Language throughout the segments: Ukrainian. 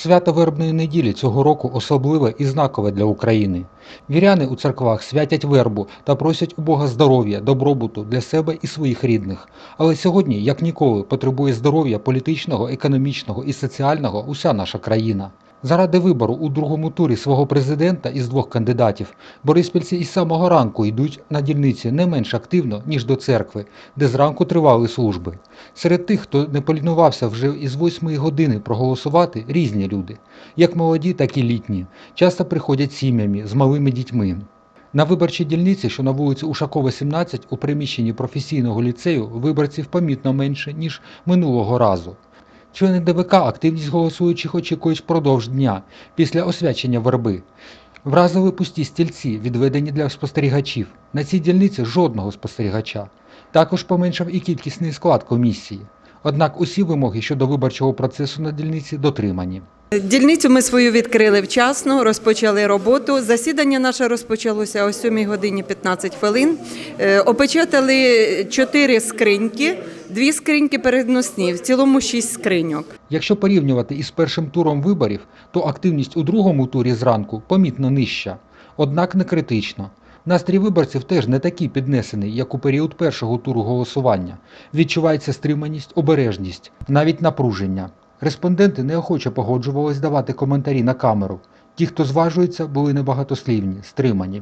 Свято Вербної неділі цього року особливе і знакове для України. Віряни у церквах святять вербу та просять у Бога здоров'я, добробуту для себе і своїх рідних. Але сьогодні, як ніколи, потребує здоров'я політичного, економічного і соціального уся наша країна. Заради вибору у другому турі свого президента із двох кандидатів бориспільці із самого ранку йдуть на дільниці не менш активно, ніж до церкви, де зранку тривали служби. Серед тих, хто не полінувався вже із 8 години проголосувати, різні люди. Як молоді, так і літні. Часто приходять сім'ями з малими дітьми. На виборчій дільниці, що на вулиці Ушакова, 17, у приміщенні професійного ліцею, виборців помітно менше, ніж минулого разу. Члени ДВК активність голосуючих очікують впродовж дня, після освячення верби. Вразили пусті стільці, відведені для спостерігачів. На цій дільниці жодного спостерігача. Також поменшав і кількісний склад комісії. Однак усі вимоги щодо виборчого процесу на дільниці дотримані. Дільницю ми свою відкрили вчасно, розпочали роботу. Засідання наше розпочалося о 7 годині 15 хвилин. Опечатали 4 скриньки, 2 скриньки переносні, в цілому 6 скриньок. Якщо порівнювати із першим туром виборів, то активність у другому турі зранку помітно нижча. Однак не критично. Настрій виборців теж не такий піднесений, як у період першого туру голосування. Відчувається стриманість, обережність, навіть напруження. Респонденти неохоче погоджувались давати коментарі на камеру. Ті, хто зважується, були небагатослівні, стримані.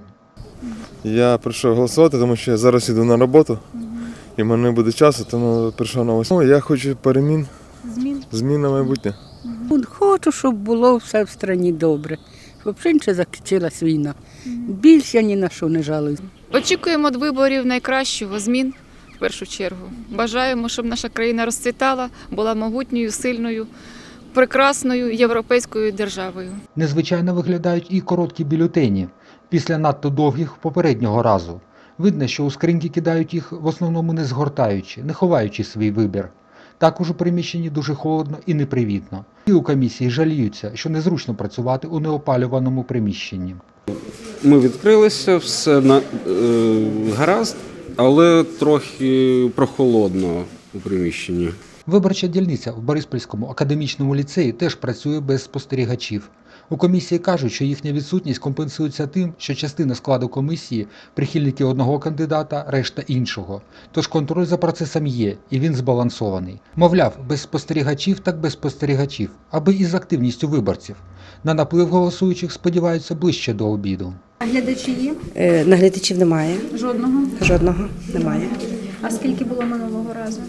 Я прийшов голосувати, тому що я зараз іду на роботу, і в мене не буде часу, тому прийшов на 8. Я хочу перемін, змін на майбутнє. Хочу, щоб було все в країні добре, щоб ще закінчилась війна. Більше я ні на що не жалуюсь. Очікуємо від виборів найкращого, змін в першу чергу. Бажаємо, щоб наша країна розцвітала, була могутньою, сильною, прекрасною європейською державою. Незвичайно виглядають і короткі бюлетені, після надто довгих попереднього разу. Видно, що у скриньки кидають їх в основному не згортаючи, не ховаючи свій вибір. Також у приміщенні дуже холодно і непривітно. І у комісії жаліються, що незручно працювати у неопалюваному приміщенні. Ми відкрилися, все гаразд, але трохи прохолодно у приміщенні. Виборча дільниця в Бориспільському академічному ліцеї теж працює без спостерігачів. У комісії кажуть, що їхня відсутність компенсується тим, що частина складу комісії – прихильники одного кандидата, решта іншого. Тож контроль за процесом є, і він збалансований. Мовляв, без спостерігачів так без спостерігачів, аби із активністю виборців. На наплив голосуючих сподіваються ближче до обіду. А глядачі є? Наглядачів немає. Жодного? Жодного немає. А скільки було минулого разу?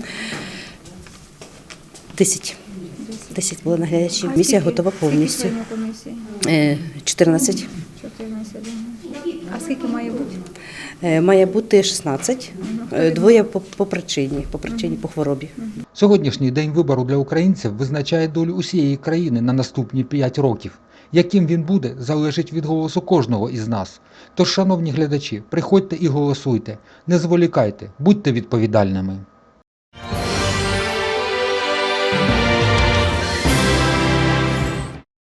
10 було наглядачів. Комісія готова повністю. Скільки членів комісії? 14. 14. А скільки має бути? Має бути 16. Двоє по причині, по хворобі. Сьогоднішній день вибору для українців визначає долю усієї країни на наступні 5 років. Яким він буде, залежить від голосу кожного із нас. Тож, шановні глядачі, приходьте і голосуйте, не зволікайте, будьте відповідальними.